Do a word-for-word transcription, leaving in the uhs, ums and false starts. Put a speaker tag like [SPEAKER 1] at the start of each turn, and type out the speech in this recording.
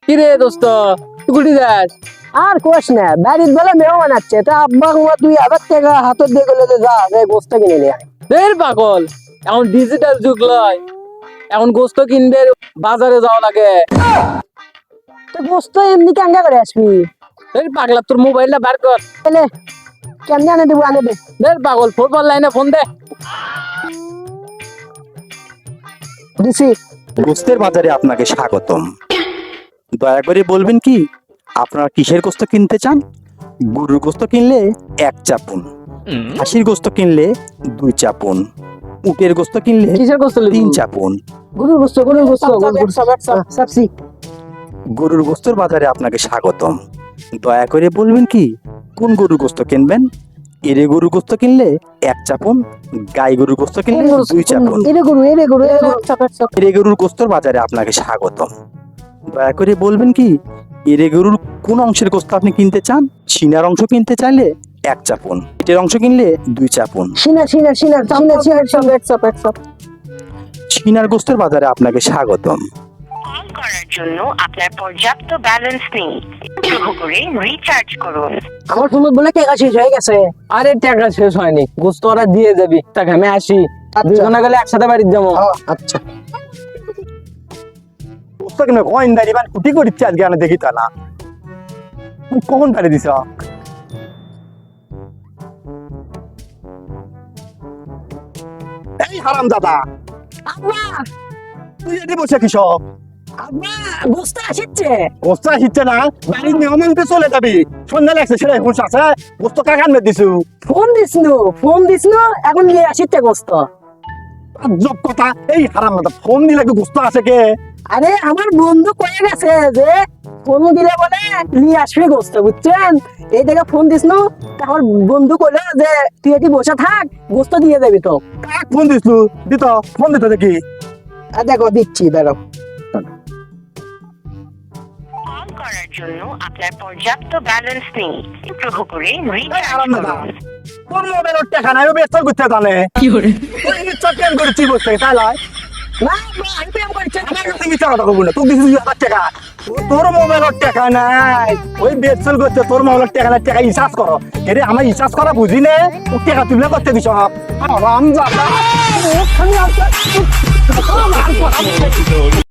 [SPEAKER 1] কি রে দোস্ত তুই কুটি যাস?
[SPEAKER 2] আর কোশ না, বাড়ির বেলা মেহমান আছে, তা আব্বা হুয়া দুই হাজার টাকা হাতত দিয়ে গেলে যা যে গোস্ত কিনে নিয়ে আয়।
[SPEAKER 1] দের পাগল, এখন ডিজিটাল যুগ লয়, এখন গোস্ত কিনবে বাজারে যাওয়া লাগে।
[SPEAKER 2] তো গোস্ত এমনি কেঙ্গা করে আসবি?
[SPEAKER 1] দের পাগলা, তোর মোবাইলটা বার কর।
[SPEAKER 2] এলে কেমনে আনে দেবো, আনে দে।
[SPEAKER 1] দের পাগল, ফুটবল লাইনে ফোন দে।
[SPEAKER 2] দিছি।
[SPEAKER 3] গোস্তের বাজারে আপনাকে স্বাগতম। দয়া করে বলবেন কি আপনারা কিসের গোস্ত কিনতে চান? গরুর গোস্ত কিনলে এক চাপুন, খাসির গোস্ত কিনলে দুই চাপুন, উটের গোস্ত কিনলে
[SPEAKER 1] কিসের গোস্ত লিবি?
[SPEAKER 3] তিন চাপুন।
[SPEAKER 2] গরুর গোস্ত, গরুর গোস্ত, গরুর গোস্ত, সাপসি।
[SPEAKER 3] গরুর গোস্তের বাজারে আপনাকে স্বাগতম। দয়া করে বলবেন কি কোন গরুর গোস্ত কিনবেন? এরে গরুর গোস্ত কিনলে এক চাপুন, গাই গরুর গোস্ত কিনলে দুই চাপুন।
[SPEAKER 2] এরে গরু, এরে গরু, এরে গরু।
[SPEAKER 3] এরে গরুর গোস্তর বাজারে আপনাকে স্বাগতম। দয়া করে বলবেন কি এরে গরুর কোন অংশের গোস্ত আপনি কিনতে চান? সিনার অংশ কিনতে চাইলে এক চাপুন, পেটের অংশ কিনলে দুই চাপুন।
[SPEAKER 2] সিনার, সিনার, সিনার, সিনার, সিনার, সিনার।
[SPEAKER 3] সিনার গোস্তের বাজারে আপনাকে স্বাগতম।
[SPEAKER 4] কল করার জন্য আপনার পর্যাপ্ত ব্যালেন্স নেই, অনুগ্রহ করে রিচার্জ করুন।
[SPEAKER 2] আমার ফোন বলে টাকা শেষ হয়ে গেছে।
[SPEAKER 1] আরে টাকা শেষ হয়নি, গোস্ত ওরা দিয়ে যাবি। টাকা আমি আসি, দুজনে গেলে একসাথে বাড়ির যাবো।
[SPEAKER 2] আচ্ছা,
[SPEAKER 3] গোস্ত কিনে কয়েন দাঁড়ি মানে কুটি করিচ্ছে আজকে আমি দেখি তা না কখন পারে দিছ? এই হারাম দাদা,
[SPEAKER 2] আব্বা,
[SPEAKER 3] তুই এটি বসে কৃষক
[SPEAKER 2] আব্বা, গোস্ত আসছে।
[SPEAKER 3] গোস্ত হিচ্ছে না, বাড়ির মেহমানকে চলে যাবি। সন্ধ্যা লাগছে সেটা হুঁশ আছে, গোস্ত কাকান মে দিছু।
[SPEAKER 2] ফোন দিসনু, ফোন দিসনু, এখন নিয়ে আসছে গোস্ত।
[SPEAKER 3] জব কথা, এই হারাম দাদা ফোন দিলে কি গোস্ত আছে কে?
[SPEAKER 2] আরে আমার বন্ধু কয়ে গেছে যে ফোন দিলে বলে নিয়ে আসবে গোস্ত, বুঝছেন? এই দেখে ফোন দিসনু, আমার বন্ধু কইলো যে তুই এটি বসে থাক, গোস্ত দিয়ে দেবি তো।
[SPEAKER 3] কাক ফোন দিছু? দিত ফোন দিত দেখি।
[SPEAKER 2] আর দেখো দিচ্ছি, বেরো।
[SPEAKER 4] কল করার জন্য আপনার পর্যাপ্ত ব্যালেন্স নেই, অনুগ্রহ করে রিচার্জ
[SPEAKER 3] আরাম দাদা,
[SPEAKER 4] করুন।
[SPEAKER 3] তোর মোবাইল টাকা নাই, ও বেচার করতে জানে কি করে চকেন করেছি বসতে তাই লয়।
[SPEAKER 2] না, আব্বা, আমি প্রেম করছি।
[SPEAKER 3] আমার কাছে বিচার কথা বলবো না, তুই দিছিস দুই হাজার টাকা, তোর মোবাইলের টাকা নাই, ওই বেচল করতে তোর মোবাইলের টাকা নাই, টাকা রিচার্জ করো। এরে আমার রিচার্জ করা বুঝি নে, ও টাকা তুলে করতে দিছ। আরাম দাদা।